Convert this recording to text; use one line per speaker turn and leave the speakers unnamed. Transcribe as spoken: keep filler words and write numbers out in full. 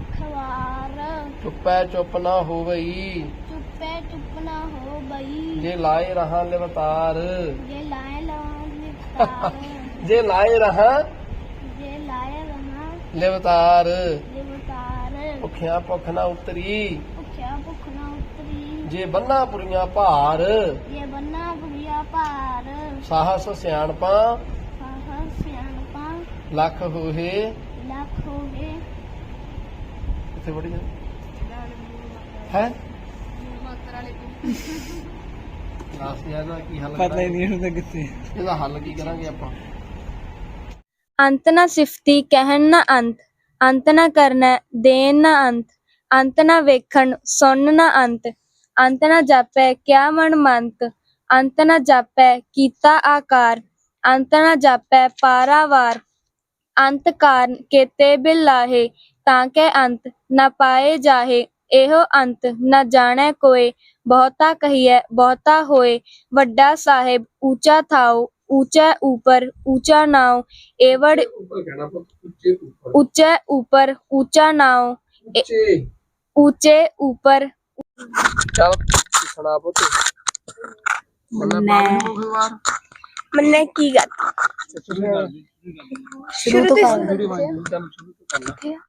अखबार
चुप्पै चुप न होवई
चुप्पे चुप ना हो बई
जे लाए रहा लिवतार
जे लाए लवा निवतार
जे लाए रहा
जे लाए रहा
लिवतार
निवतार
भुखिया भुख न उतरी
भुखिया भुख ना उतरी
जे बन्ना पुरियां भार
ये बन्ना बुढ़िया पार
साहस सियाणपा
साहस सियाणपा
लख होहे
लख होवे
किथे बड़ी है ਲਾਸਟ ਯਾਰ ਦਾ ਕੀ ਹੱਲ
ਪਤਾ ਹੀ ਨਹੀਂ ਹੁੰਦਾ ਕਿੱਥੇ
ਇਹਦਾ ਹੱਲ ਕੀ ਕਰਾਂਗੇ ਆਪਾਂ
ਅੰਤ ਨਾ ਸਿਫਤੀ ਕਹਿਣ ਨਾ ਅੰਤ ਅੰਤ ਨਾ ਕਰਨਾ ਦੇਣ ਨਾ ਅੰਤ ਅੰਤ ਨਾ ਵੇਖਣ ਸੁਣ ਨਾ ਅੰਤ ਅੰਤ ਨਾ ਜਾਪੈ ਕਿਆ ਮਨ ਮੰਤ ਅੰਤ ਨਾ ਜਾਪੈ ਕੀਤਾ ਆਕਾਰ ਅੰਤ ਨਾ ਜਾਪੈ ਪਾਰਾਵਾਰ ਅੰਤ ਕਾਰਨ ਕੇਤੇ ਬਿਲਾਹੇ ਤਾਂ ਕਿ ਅੰਤ ਨਾ ਪਾਏ ਜਾਹੇ ਇਹੋ ਅੰਤ ਨਾ ਜਾਣੈ ਕੋਇ ਬਹੁਤਾ ਕਹੀਐ ਬਹੁਤਾ ਹੋਏ ਵੱਡਾ ਸਾਹਿਬ ਊਚਾ ਥਾਉ ਊਚੈ ਊਪਰ ਊਚਾ ਨਾਉ ਏਵੜ
ਉੱਪਰ ਕਹਿਣਾ ਪੁੱਤ ਉੱਚੇ ਉੱਪਰ
ਊਚੈ ਊਪਰ ਊਚਾ ਨਾਉ
ਉੱਚੇ
ਊਚੇ ਊਪਰ
ਚੱਲ ਸੁਣਾ ਪੁੱਤ ਮੰਨੇ ਬਾਹਰ ਨੂੰ ਖਵਾਰ
ਮੰਨੇ ਕੀ ਗੱਲ
ਸ਼ੁਰੂ
ਸ਼ੁਰੂ ਤੋਂ ਕਰ
ਸ਼ੁਰੂ ਤੋਂ ਕਰਨਾ